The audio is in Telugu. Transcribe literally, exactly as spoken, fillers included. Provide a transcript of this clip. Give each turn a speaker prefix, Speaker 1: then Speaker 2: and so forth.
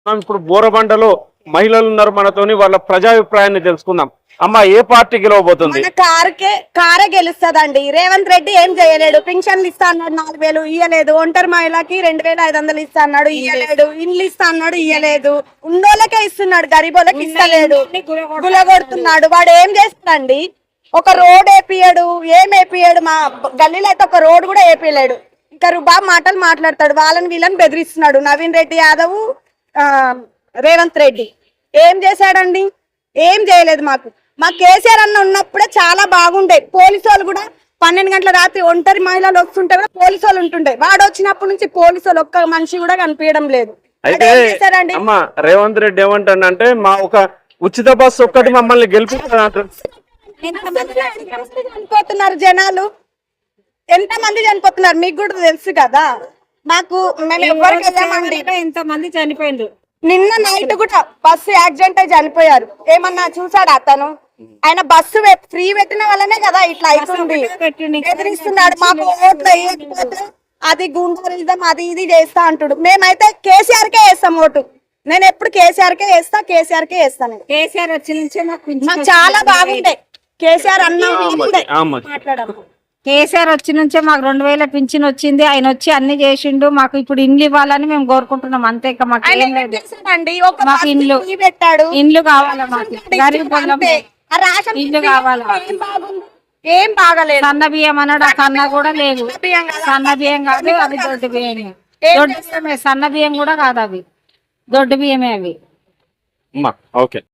Speaker 1: మనం ఇప్పుడు బోరబండలో మహిళలు ఉన్నారు మనతోని, వాళ్ళ ప్రజాభిప్రాయాన్ని తెలుసుకుందాం. అమ్మ, ఏ పార్టీ గెలవబోతుంది?
Speaker 2: మన కారుకే కారే గెలుస్తదండి. రేవంత్ రెడ్డి ఏం చేయలేడు. పింఛన్లు ఇస్తా అన్నాడు, నాలుగు వేలు ఇయ్యలేదు. ఒంటరి మహిళకి రెండు వేల ఐదు వందలు ఇస్తా అన్నాడు, ఇయ్యలేడు. ఇండ్లు ఇస్తా అన్నాడు, ఇయ్యలేదు. ఉన్నోళ్ళకే ఇస్తున్నాడు, గరీబోళ్ళకి ఇస్తలేడు. గులగొడుతున్నాడు. వాడు ఏం చేస్తాడండి? ఒక రోడ్ వేపియడు, ఏం వేపియడు. మా గల్లీలో అయితే ఒక రోడ్ కూడా వేపియలేడు. ఇంకా బాగా మాటలు మాట్లాడతాడు. వాళ్ళని వీళ్ళని బెదిరిస్తున్నాడు. నవీన్ రెడ్డి యాదవ్, ఆ రేవంత్ రెడ్డి ఏం చేశాడండి? ఏం చేయలేదు. మాకు మా కేసీఆర్ అన్న ఉన్నప్పుడే చాలా బాగుండే. పోలీసు వాళ్ళు కూడా పన్నెండు గంటల రాత్రి ఒంటరి మహిళలు వస్తుంటే కూడా పోలీసు వాళ్ళు ఉంటుండే. వాడు వచ్చినప్పటి నుంచి పోలీసు వాళ్ళు ఒక్క మనిషి కూడా కనిపించడం లేదు.
Speaker 1: అయితే అమ్మ, రేవంత్ రెడ్డి ఏమంటాడంటే మా ఒక ఉచిత బస్సు ఒక్కటి మమ్మల్ని గెలిపిస్తారు.
Speaker 2: చనిపోతున్నారు జనాలు, ఎంత మంది చనిపోతున్నారు మీకు కూడా తెలుసు కదా. మాకు మేము ఎవరికి వెళ్ళామండి.
Speaker 3: ఎంత మంది చనిపోయింది.
Speaker 2: నిన్న నైట్ కూడా బస్సు యాక్సిడెంట్ అయి చనిపోయారు. ఏమన్నా చూసాడు అతను? ఆయన బస్సు ఫ్రీ పెట్టిన వల్లనే కదా ఇట్లా అవుతుంది. ఎదిరిస్తున్నాడు. మాకు ఓట్లు వేయకపోతే అది గుండెలిజం అది ఇది చేస్తా అంటాడు. మేమైతే కేసీఆర్ కే వేస్తాం ఓటు. నేను ఎప్పుడు కేసీఆర్ కే వేస్తా, కేసీఆర్ కే వేస్తాను.
Speaker 3: కేసీఆర్ వచ్చి నుంచే
Speaker 2: మాకు చాలా బాగుండే. కేసీఆర్ అన్న మాట్లాడాము.
Speaker 3: కేసీఆర్ వచ్చి నుంచే మాకు రెండు వేల పింఛన్ వచ్చింది. ఆయన వచ్చి అన్ని చేసిండు. మాకు ఇప్పుడు ఇండ్లు ఇవ్వాలని మేము కోరుకుంటున్నాం. అంతే. మాకు ఏం లేదు. మాకు ఇండ్లు
Speaker 2: పెట్టాడు.
Speaker 3: ఇండ్లు కావాలా? మాకు గరీబ్ ఇల్లు కావాలా?
Speaker 2: ఏం బాగలేదు.
Speaker 3: సన్న బియ్యం అన్నాడు, ఆ సన్న కూడా లేదు. సన్న బియ్యం కాదు, అవి దొడ్డు బియ్యమే. దొడ్డు బియ్యమే, సన్న బియ్యం కూడా కాదు, అవి దొడ్డు బియ్యమే అవి.
Speaker 1: ఓకే.